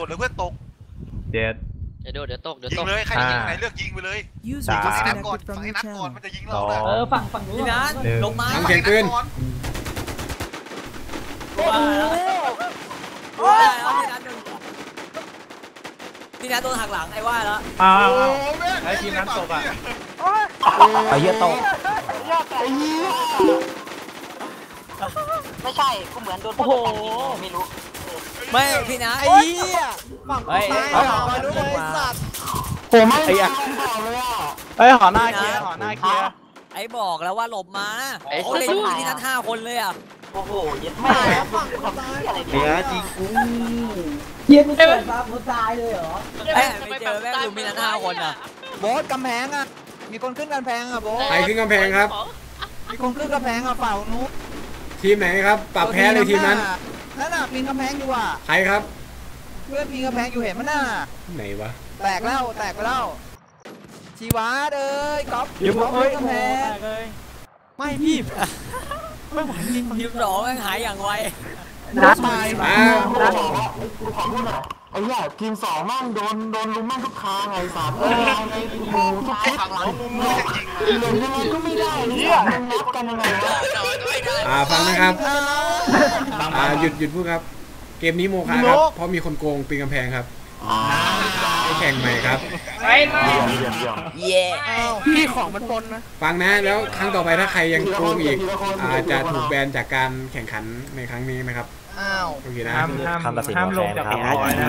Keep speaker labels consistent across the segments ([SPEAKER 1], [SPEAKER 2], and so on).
[SPEAKER 1] ดหรือเพื่อนตก
[SPEAKER 2] เจ็ด
[SPEAKER 3] เดี๋ยวตก
[SPEAKER 1] ยิงเลยใครยิงไหนเลือกยิงไปเลยฝั่งให้นัดก่อนฝั่งให้นัดก่อนมันจะยิงเราเลย
[SPEAKER 4] ฝั่งนู้นนะลงมา
[SPEAKER 5] เสียงปืน
[SPEAKER 4] พี่นัทโดนหักหลังไอ้ว่าแล้ว
[SPEAKER 2] ไอ้ทีมนั้นตกอ่ะ
[SPEAKER 6] ไอ้เหี้ยตก
[SPEAKER 7] ไม่ใช่กูเหมือนโดนโอ้โหไม่รู้
[SPEAKER 4] ไม่พี่นัท
[SPEAKER 6] ไอ้เหี้ยฝั่งซ้ายมาดูเลยสัตว์
[SPEAKER 2] ผมไอ้อะเฮ้ยหอหน้าเคลียร์
[SPEAKER 4] ไอ้บอกแล้วว่าหลบมาเขาเล่นพี่นัท5 คนเลยอ่ะ
[SPEAKER 7] โอ้โหยัดไม่
[SPEAKER 2] เนี่ยจริงกู
[SPEAKER 4] เย็นเกินมาผู้ตายเลยเหรอไม่เจอแม่งอยู่มีนัท5 คนอ่ะ
[SPEAKER 6] โบสกำแพงอ่ะมีคนขึ้นกำแพงอ่ะโบส
[SPEAKER 5] ใครขึ้นกำแพงครับ
[SPEAKER 6] มีคนขึ้นกำแพงอ่ะเปล่านุ๊ก
[SPEAKER 5] ทีมไหนครับปรับแพ้เลยทีมนั้น
[SPEAKER 6] นั่นน่ะปีนกำแพงอยู่อ่ะ
[SPEAKER 5] ใครครับ
[SPEAKER 6] เพื่อนปีนกำแพงอยู่เห็นมั้ยน่ะ
[SPEAKER 5] ไหนวะ
[SPEAKER 6] แตกไปแล้วชีวาเอ้ยก๊อฟ
[SPEAKER 2] อยู่
[SPEAKER 6] กำแพง
[SPEAKER 4] ไม่พี่ไม่ไหวจริงทีม2แม่งหายอย่างไว
[SPEAKER 6] นัดมา
[SPEAKER 7] กูขอพูดหน่อยไอ้เหี้ยทีม2มั่งโดนลุมมั่งทุกทางไอ้สัตว์ในโอ้โหทุก
[SPEAKER 1] ฝั่งหลังมุมมือจะยิง
[SPEAKER 7] เลยยังไงก็ไม่ได้เนี่ยมันนับกันยังไงวะ
[SPEAKER 5] ฟังนะครับหยุดพูดครับเกมนี้โมฆะครับเพราะมีคนโกงปีนกำแพงครับให้แข่งใหม่ครับ
[SPEAKER 4] เย่
[SPEAKER 6] พี่ของมันปนนะ
[SPEAKER 5] ฟังนะแล้วครั้งต่อไปถ้าใครยังโกงอีกจะถูกแบนจากการแข่งขันในครั้งนี้นะครับโอเคนะ
[SPEAKER 2] ห้ามลงจากหัวนะ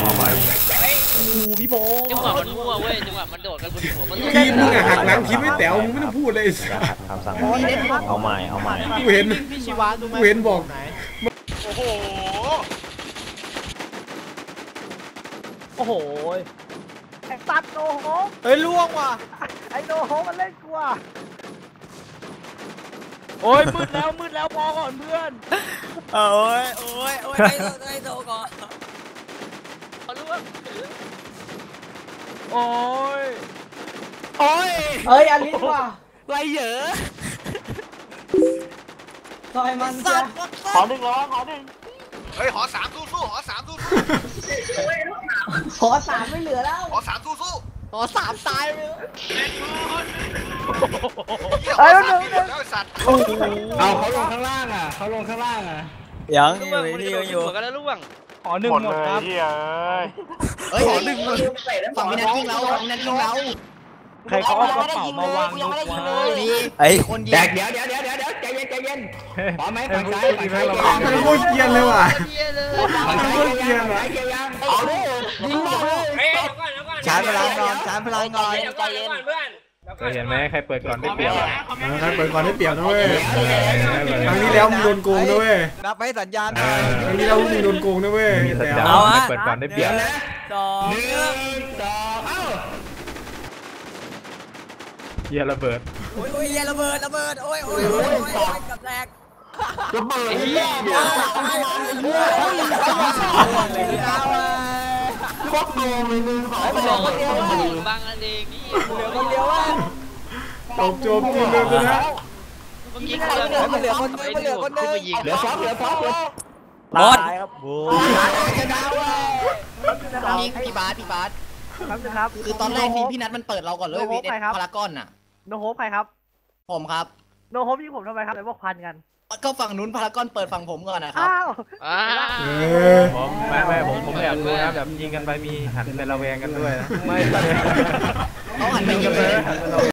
[SPEAKER 4] พี่โบ
[SPEAKER 3] จังหวะมันมั่วเว้ยจังหวะมันโดดกันบนหัวมัน
[SPEAKER 5] ทีมมึงหักหลังทีมไม่แต๋วมึงไม่ต้องพูดเลย
[SPEAKER 2] คำสั่งเอาใหม่
[SPEAKER 5] กูเห็นบอก
[SPEAKER 4] โอ้โห
[SPEAKER 6] ไอ้ตัดโนโฮ
[SPEAKER 4] เฮ้ยล่วงว่ะ
[SPEAKER 6] ไอ้โนโฮมันเล่นกูอ่ะ
[SPEAKER 4] โอ้ยมืดแล้วพอก่อนเพื่อนโอ้ยให้โตก่อน
[SPEAKER 3] เขาล่วง
[SPEAKER 4] โอ้ย
[SPEAKER 6] เฮ้ยอลิสว่ะ
[SPEAKER 4] ไรเหยอะ
[SPEAKER 6] ซอยมัน
[SPEAKER 4] สัตว์
[SPEAKER 7] ขอหนึ่ง
[SPEAKER 1] เฮ้ยหอ3สู้หอ3สู้
[SPEAKER 6] หอ3ไม่เหลือแล้ว
[SPEAKER 1] หอ3สู้
[SPEAKER 6] หอ3ตายไปแล้ว
[SPEAKER 1] แล้วสัตว์
[SPEAKER 5] เอาเขาลงข้างล่าง
[SPEAKER 4] ยังอยู่
[SPEAKER 3] กันแล้วล่วง
[SPEAKER 2] หอ1หมดครับ
[SPEAKER 6] หอ1หมดฝั่งพี่นัทยิงเรา
[SPEAKER 2] ใครเขาเอากระเป๋ามาวางลูกวะ
[SPEAKER 4] ไอ้คนยิง
[SPEAKER 6] เดี๋ยวใจเย็นพร้อมไหมฝั่งซ้าย
[SPEAKER 5] มันโคตรเกรียนเลยว่ะ
[SPEAKER 6] มันโคตรเกรียนเหรอเอาดิยิงเลยชาร์จพลังก่อน
[SPEAKER 7] ใจเย็นเพื่อน
[SPEAKER 2] เคยเห็นไหมใครเปิดก่อนได้เปรียบ
[SPEAKER 5] ใครเปิดก่อนได้เปรียบนะเว้ยครั้งนี้แล้วมึงโดนโกงนะเว้ย
[SPEAKER 6] นับไปสัญญาณ
[SPEAKER 5] ครั้งนี้แล้วมึงโดนโกงนะเว้ย
[SPEAKER 2] เอาเปิดก่อนได้เปรียบ
[SPEAKER 6] 1 2
[SPEAKER 2] เฮียระเบิด
[SPEAKER 4] โอ้ยระเบิดโอ้ยกับแรก
[SPEAKER 7] ระเบิดโคตรโกงเลย
[SPEAKER 3] บางอันเองนี่
[SPEAKER 4] เหลือคนเดียวว่า
[SPEAKER 5] จบทีมเดิมเลยนะ
[SPEAKER 3] เมื่อกี้
[SPEAKER 4] มันเหลือคนนึงเหลือ
[SPEAKER 6] ซอฟ
[SPEAKER 4] หมด
[SPEAKER 2] ครับโว้
[SPEAKER 6] จะดาวยิงพี่บาสครับคือตอนแรกทีมพี่นัทมันเปิดเราก่อนเลยวีเอสพารากอนน่ะ
[SPEAKER 4] โนโฮปใครครับ
[SPEAKER 6] ผมครับ
[SPEAKER 4] โนโฮปยิงผมทำไมครับเลยพวกพันกัน
[SPEAKER 6] ก็ฝั่งนู้นพารากอนเปิดฝั่งผมก่อนนะครับ
[SPEAKER 2] ไม่ผมอยากรู้นะแบบยิงกันไปมีหันไประแวงกันด้วยนะไม่
[SPEAKER 6] เขาหันไปกันเลย